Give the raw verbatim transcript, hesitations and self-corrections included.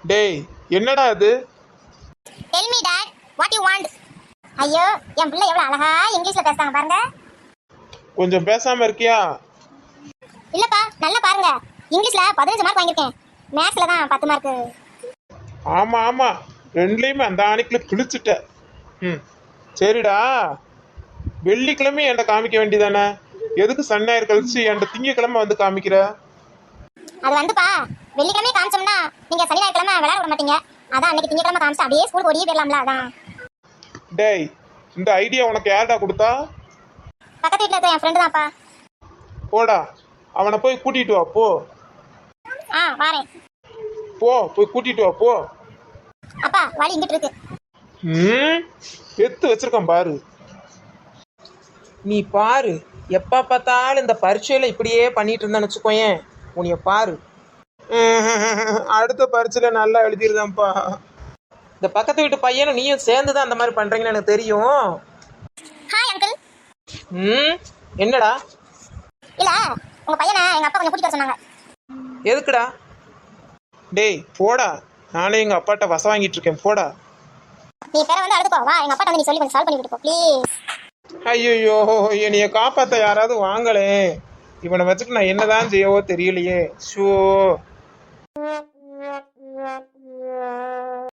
டேய், என்னடா இது? Tell me dad, what you want? ஐயோ, என் பிள்ளை எவ்வளவு அழகா இங்கிலீஷ்ல பேசுறாங்க பாருங்க. கொஞ்சம் பேசாம இருக்கியா? இல்லப்பா, நல்லா பாருங்க. இங்கிலீஷ்ல பதினஞ்சு மார்க் வாங்கியிருக்கேன். மேத்ஸ்ல தான் பத்து மார்க். ஆமா ஆமா, ரெண்டுலயுமே அந்த ஆணிக்குள்ள கிழிச்சிட்ட. ம், சரிடா. வெள்ளிக்கிழமை என்கிட்ட காமிக்க வேண்டியதானே? எதுக்கு சன் ஞாயிறு கழிச்சு என்கிட்ட திங்கக்கிழமை வந்து காமிக்கிற? அது வந்துப்பா, வெள்ளிக்கிழமை காமிச்சோம்னா நீங்க சனி ஞாயிற்றுக்கிழமை விளையாட விட மாட்டீங்க. அதான் அன்னைக்கு திங்கக்கிழமை காமிச்சு அப்படியே ஸ்கூலுக்கு ஓடியே போயிடலாம்ல. அதான். டேய், இந்த ஐடியா உனக்கு யார்டா கொடுத்தா? பக்கத்து வீட்டில் இருக்க என் ஃப்ரெண்டு தான்ப்பா. போடா, அவனை போய் கூட்டிட்டு வா போ. ஆ வாரேன். போ போய் கூட்டிட்டு வா போ. அப்பா வழி இங்கிட்டு இருக்கு. ம், எடுத்து வச்சிருக்கேன் பாரு. நீ பாரு, எப்போ பார்த்தாலும் இந்த பரீட்சையில் இப்படியே பண்ணிட்டு இருந்தான்னு வச்சுக்கோயேன், உன்னைய பாரு. அடுத்த பரீட்சையில நல்லா எழுதிருதான்ப்பா. இந்த பக்கத்து வீட்டு பையனும் நீயும் சேர்ந்து தான் அந்த மாதிரி பண்ணுறீங்கன்னு எனக்கு தெரியும். Hi uncle. ம், என்னடா? இல்ல, உங்க பையனை எங்க அப்பா கொஞ்சம் கூட்டிட்டு வர சொன்னாங்க. எதுக்குடா? டேய் போடா, நானே எங்க அப்பாட்ட வசம் வாங்கிட்டு இருக்கேன். போடா. நீ பேரை வந்து அழுதுப்போ. வா, எங்க அப்பா வந்து நீ சொல்லி கொஞ்சம் சால்வ் பண்ணி விட்டு போ ப்ளீஸ். ஐயோ, என்னைய காப்பாத்த யாராவது வாங்களே. இவனை வச்சுட்டு நான் என்னதான் செய்யவோ தெரியலையே. ஷோ.